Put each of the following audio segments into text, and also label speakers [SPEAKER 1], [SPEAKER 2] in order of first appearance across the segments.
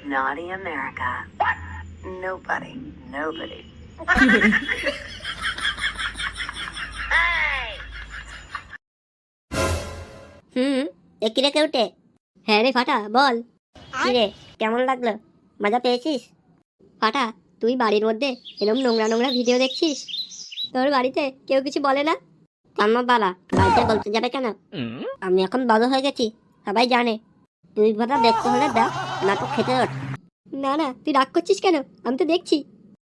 [SPEAKER 1] Naughty America. Nobody.
[SPEAKER 2] কিরে কেউটে? হ্যাঁ রে ফাটা, বল। কিরে, কেমন লাগলো? মজা পেয়েছিস? ফাটা, তুই বাড়ির মধ্যে এরকম নোংরা নোংরা ভিডিও দেখছিস? তোর বাড়িতে কেউ কিছু বলে না? আমার বাবা বাড়িতে বলতে যাবে কেন? আমি এখন বড় হয়ে গেছি, সবাই জানে। তুই কথা দেখতে হলে দেখ, না তো খেতে ওঠ। না না, তুই রাগ করছিস কেন? আমি তো দেখছি।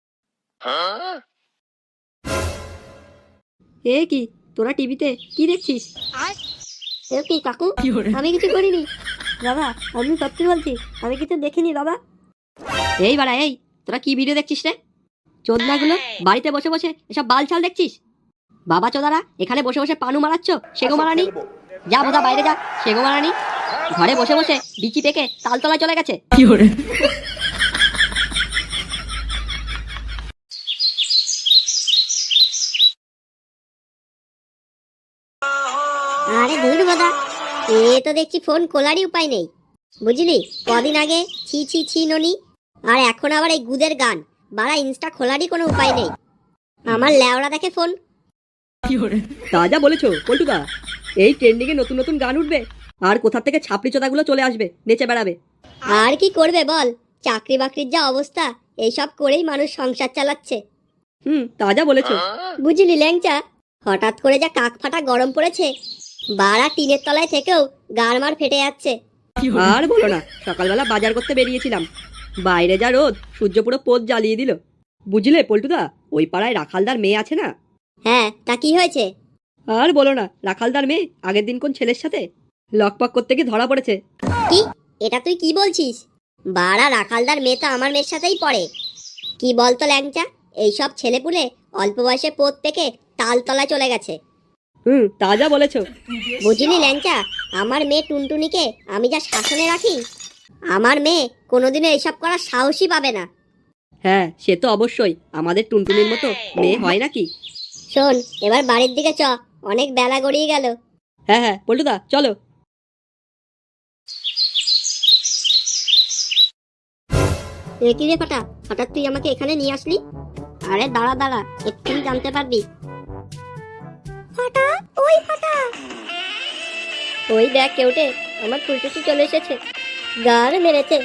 [SPEAKER 2] এ কি, তোরা টিভিতে কি দেখছিস? এ কি কাকু, আমি কিছু করিনি বাবা, আমি সত্যি বলছি, আমি কিছু দেখিনি বাবা। এই বাড়া, এই তোরা কি ভিডিও দেখছিস রে? চোদনাগুলো, বাড়িতে বসে বসে এসব বালছাল দেখছিস? বাবা চোদারা এখানে বসে বসে পানু মারাচ্ছ, সেগো মারানি। যা বোধা বাইরে যা, সেগো মারানি। ঘরে বসে বসে বিচি পেকে তালতলায় চলে গেছে। আরে ধুর বোধা, এ তো দেখছি ফোন খোলারই উপায় নেই, বুঝলি? কদিন আগে ছি ছি ছি ননি, আর এখন আবার এই গুদের গান। বাড়া, ইনস্টা খোলারই কোনো উপায় নেই। আমার ল্যাওড়া দেখে ফোন।
[SPEAKER 3] তাজা বলেছো পল্টুদা, এই ট্রেন্ডিং এ নতুন নতুন গান উঠবে, আর কোথা থেকে ছাপড়ি চোদাগুলো চলে আসবে, নেচে বেড়াবে।
[SPEAKER 2] আর কি করবে বল, চাকরি বাকরির যা অবস্থা, এইসব করেই মানুষ সংসার চালাচ্ছে।
[SPEAKER 3] তাজা বলেছো।
[SPEAKER 2] বুঝলি ল্যাংচা, হঠাৎ করে যা কাক ফাটা গরম পড়েছে, বাড়া টিনের তলায় থেকেও গাড়মার ফেটে যাচ্ছে।
[SPEAKER 3] আর বলো না, সকালবেলা বাজার করতে বেরিয়েছিলাম, বাইরে যা রোদ, সূর্য পুরো পোদ জ্বালিয়ে দিল। বুঝলে পল্টুদা, ওই পাড়ায় রাখালদার মেয়ে আছে না?
[SPEAKER 2] হ্যাঁ, তা কি হয়েছে?
[SPEAKER 3] আর বলো না, রাখালদার মেয়ে আগের দিন কোন ছেলের সাথে লকপক করতে গিয়ে ধরা পড়েছে।
[SPEAKER 2] কি? এটা তুই কি বলছিস? বাড়া, রাখালদার মেয়ে তো আমার মেয়ের সাথেই পড়ে। কি বলতো ল্যাংচা, এইসব ছেলেপুলে অল্প বয়সে পোত পেকে তালতলায় চলে গেছে।
[SPEAKER 3] তাজা বলেছো।
[SPEAKER 2] বুঝলি ল্যাংচা, আমার মেয়ে টুনটুনিকে আমি যা শাসনে রাখি, আমার মেয়ে কোনোদিনও এইসব করার সাহসই পাবে না।
[SPEAKER 3] হ্যাঁ, সে তো অবশ্যই, আমাদের টুনটুনির মতো মেয়ে হয় নাকি?
[SPEAKER 2] শোন, এবার বাড়ির দিকে চ, অনেক বেলা গড়িয়ে গেল।
[SPEAKER 3] হ্যাঁ হ্যাঁ পল্টুদা, চলো।
[SPEAKER 2] এ কি রে ফাটা, হঠাৎ তুই আমাকে এখানে নিয়ে আসলি? আরে দাঁড়া দাঁড়া, এক্ষুনি জানতে পারবি। ফাটা, ওই ফাটা, ওই দেখ কেউটে, আমার ফুলটুসি চলে এসেছে, গার মেরেছে।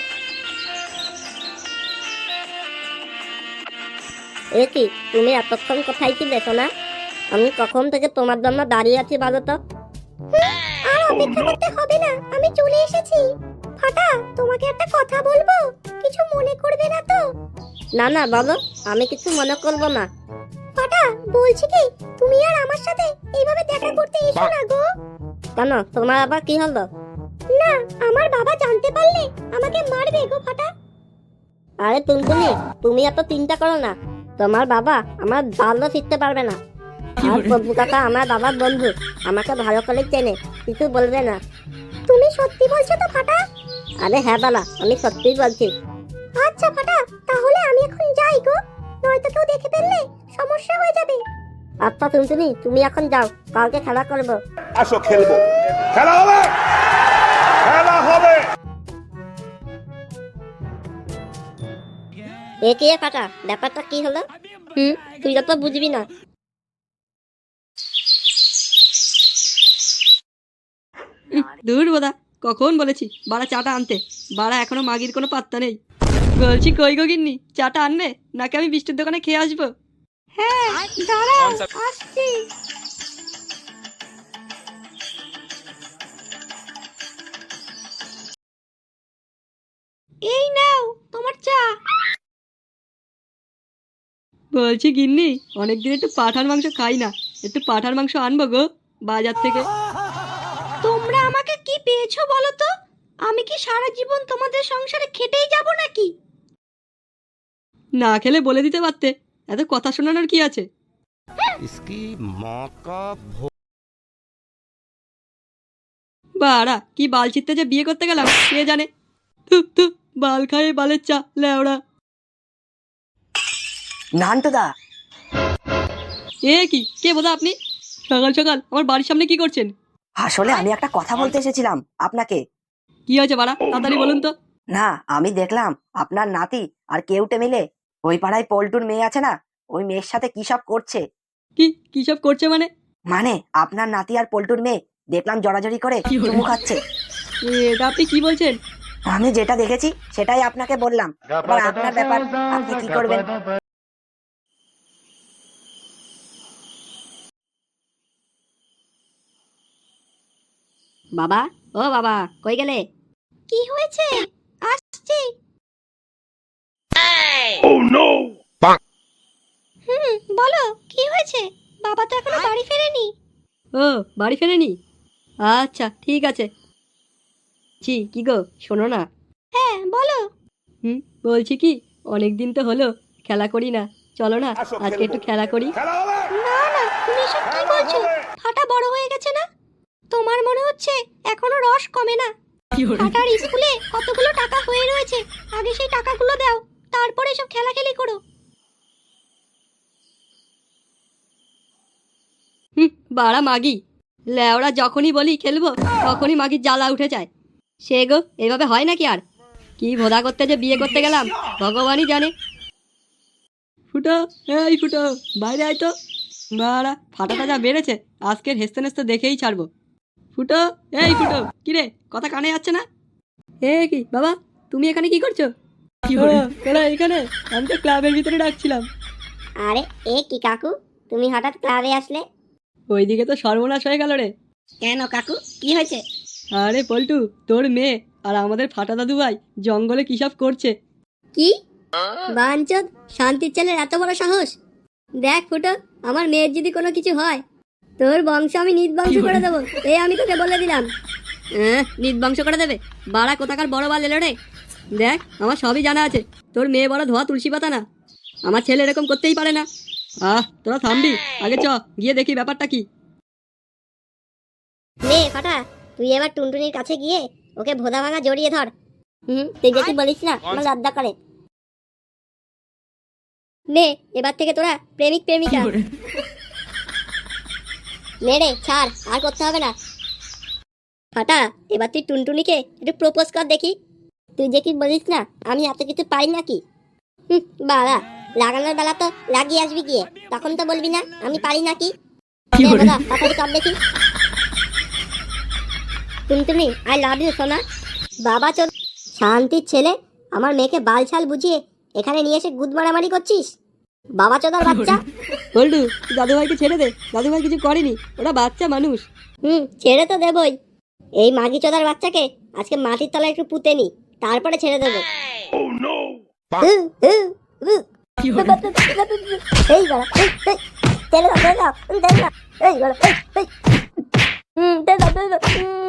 [SPEAKER 2] এ কি, তুমি এতক্ষণ কোথায় ছিলে সোনা? আমি কখন থেকে তোমার জন্য দাঁড়িয়ে আছি বলো তো। আর অপেক্ষা করতে হবে না, আমি চলে এসেছি। ফাটা, তোমাকে একটা কথা বলবো, কিছু মনে করবে না তো? না না বলো, আমি কিছু মনে করব না। ফাটা, বলছি কি, তুমি আর আমার সাথে এইভাবে দেখা করতে এসো না গো। কেন, তোমার আবার কি হলো? না, আমার বাবা জানতে পারলে আমাকে মারবে গো ফাটা। আরে টুনটুনি, তুমি এত চিন্তা করো না, তোমার বাবা আমার ভালো ফিরতে পারবে না। আর বন্ধু কাকা আমার বাবার বন্ধু, আমাকে ভালো করে চেনে, কিছু বলবে না। তুমি সত্যি বলছো তো ফাটা? আরে হ্যাঁ বালা, আমি সত্যিই বলছি। আচ্ছা ফাটা, তাহলে আমি এখন যাই গো, নয়তো কেউ দেখে ফেললে সমস্যা হয়ে যাবে। আচ্ছা টুনটুনি, তুমি এখন যাও, কালকে খেলা করবো।
[SPEAKER 4] আসো খেলবো, খেলা হবে, খেলা হবে।
[SPEAKER 2] এ কি ফাটা, ব্যাপারটা কি হলো? তুই তো বুঝবি না।
[SPEAKER 3] দূর বোধা, কখন বলেছি বাড়া চাটা আনতে, বাড়া এখনো মাগির কোনো পাত্তা নেই। বলছি কই গো গিন্নি, চাটা আনবে নাকি আমি বৃষ্টির দোকানে খেয়ে আসবো?
[SPEAKER 2] হ্যাঁ, দাঁড়াও, আসছি। এই নাও তোমার চা।
[SPEAKER 3] বলছি গিন্নি, অনেকদিন একটু পাঁঠার মাংস খাই না, একটু পাঁঠার মাংস আনবো গো বাজার থেকে।
[SPEAKER 2] তোমরা আমাকে কি পেয়েছো বলো তো? আমি কি সারা জীবন তোমাদের সংসারে খেটেই যাব নাকি?
[SPEAKER 3] না খেলে বলে দিতে পারতে, এত কথা শোনানোর কি আছে? বাড়া, কি বাল ছিটতে যে বিয়ে করতে গেলাম কে জানে। তু বাল খায় বালের চা লেওড়া।
[SPEAKER 5] নান্টুদা,
[SPEAKER 3] এ কি, কে বোধা আপনি? সকাল সকাল আমার বাড়ির সামনে কি করছেন?
[SPEAKER 5] আসলে আমি একটা কথা বলতে এসেছিলাম আপনাকে।
[SPEAKER 3] কি হয়েছে বাড়া, তাড়াতাড়ি বলুন তো।
[SPEAKER 5] না, আমি দেখলাম আপনার নাতি আর কেউটে মিলে ওই পাড়ায় পল্টুর মেয়ে আছে না, ওই মেয়ের সাথে কি সব করছে।
[SPEAKER 3] কি সব করছে মানে?
[SPEAKER 5] মানে আপনার নাতি আর পল্টুর মেয়ে দেখলাম জড়াজড়ি করে চুমু খাচ্ছে।
[SPEAKER 3] এটা আপনি কি বলছেন?
[SPEAKER 5] আমি যেটা দেখেছি সেটাই আপনাকে বললাম, এবার আপনার ব্যাপার, আপনি কি করবেন।
[SPEAKER 3] বাবা, ও বাবা, কই গেলে?
[SPEAKER 2] কি হয়েছে? আসছি।
[SPEAKER 4] Oh no!
[SPEAKER 2] বলো কি হয়েছে? বাবা তো এখনো বাড়ি ফেরেনি।
[SPEAKER 3] ও, বাড়ি ফেরেনি? আচ্ছা ঠিক আছে। কি গো, শোনো না।
[SPEAKER 2] হ্যাঁ বলো।
[SPEAKER 3] বলছি কি, অনেক দিন তো হলো খেলা করি না, চলো না
[SPEAKER 4] আসো,
[SPEAKER 3] আজকে একটু
[SPEAKER 4] খেলবো।
[SPEAKER 3] খেলা করি।
[SPEAKER 4] খেলা হবে,
[SPEAKER 2] না না, তুমি এসব কি
[SPEAKER 4] খেলা
[SPEAKER 2] বলছো?
[SPEAKER 4] হবে।
[SPEAKER 2] ফাটা বড় হয়ে গেছে না? তোমার মনে হচ্ছে এখনো রস কমে না? ফাটার স্কুলে কতগুলো টাকা হয়ে রয়েছে, আগে সেই টাকাগুলো দাও, তারপরে সব খেলাখেলি করো।
[SPEAKER 3] বাড়া মাগি, লেওরা যখনই বলি খেলবো তখনই মাগির জ্বালা উঠে যায়। সে গো, এইভাবে হয় নাকি আর? কি ভোদা করতে যে বিয়ে করতে গেলাম ভগবানই জানে। ফুটো, এই ফুটো, বাইরে আয় তো। বাড়া ফাটাটা যা বেড়েছে, আজকের হেসতে নেস্তে দেখেই ছাড়বো। ফুটো, এই ফুটো, কিরে কথা কানে যাচ্ছে না? কি বাবা, তুমি এখানে কি করছো? তোরা এখানে? আমি তো ক্লাবের ভিতরে ডাকছিলাম।
[SPEAKER 2] আরে এ কি কাকু, তুমি হঠাৎ ক্লাবে আসলে?
[SPEAKER 3] ওইদিকে তো সর্বনাশ হয়ে গেল রে।
[SPEAKER 2] কেন কাকু, কি হয়েছে?
[SPEAKER 3] আরে পল্টু, তোর মেয়ে আর আমাদের ফাটা দাদু ভাই জঙ্গলে কি সব করছে।
[SPEAKER 2] কি বাঞ্চদ, শান্তির ছেলের এত বড় সাহস! দেখ ফুটো, আমার মেয়ের যদি কোনো কিছু হয়, তোর বংশ আমি নির্বংশ করে দেবো, এই আমি তোকে বলে দিলাম।
[SPEAKER 3] নির্বংশ করে দেবে? বাড়া কোথাকার বড় বাল এলো রে। দেখ, আমার সবই জানা আছে, তোর মেয়ে বড় ধোয়া তুলসী পাতা না। আমার ছেলে এরকম করতেই পারে না। তোরা থামবি? আগে চ গিয়ে দেখি ব্যাপারটা কি।
[SPEAKER 2] নে ফাটা, তুই এবার টুনটুনির কাছে গিয়ে ওকে ভোদা ভাঙা জড়িয়ে ধর। তুই যেটি বলিস না আমার লজ্জা করে। নে, এবার থেকে তোরা প্রেমিক প্রেমিকা। নে রে, ছাড়, আর করতে হবে না। ফাটা, এবার তুই টুনটুনিকে একটু প্রপোজ কর দেখি। তুই যে কি বলিস না আমি এত কিছু পারি নাকি? বাবা, লাগানোর বেলা তো লাগিয়ে আসবি গিয়ে, তখন তো বলবি না আমি পারি নাকি। তাড়াতাড়ি কর দেখি। টুনটুনি, আই লাভ ইউ সোনা। বাবা চোদ, শান্তির ছেলে, আমার মেয়েকে বালছাল বুঝিয়ে এখানে নিয়ে এসে গুদ মারামারি করছিস, বাবা চোদার বাচ্চা।
[SPEAKER 3] পল্টু, তুই দাদুভাইকে ছেড়ে দে, দাদুভাই কিছু করেনি, ওরা বাচ্চা মানুষ।
[SPEAKER 2] ছেড়ে তো দেবই। এই মাগি চোদার বাচ্চাকে আজকে মাটির তলায় একটু পুঁতে নি, তারপরে ছেড়ে দেবো।
[SPEAKER 4] Oh no!
[SPEAKER 2] এই বাড়া, ছেড়ে দাও, ছেড়ে দাও, ছেড়ে দাও, এই বাড়া, এই, ছেড়ে দাও, ছেড়ে দাও।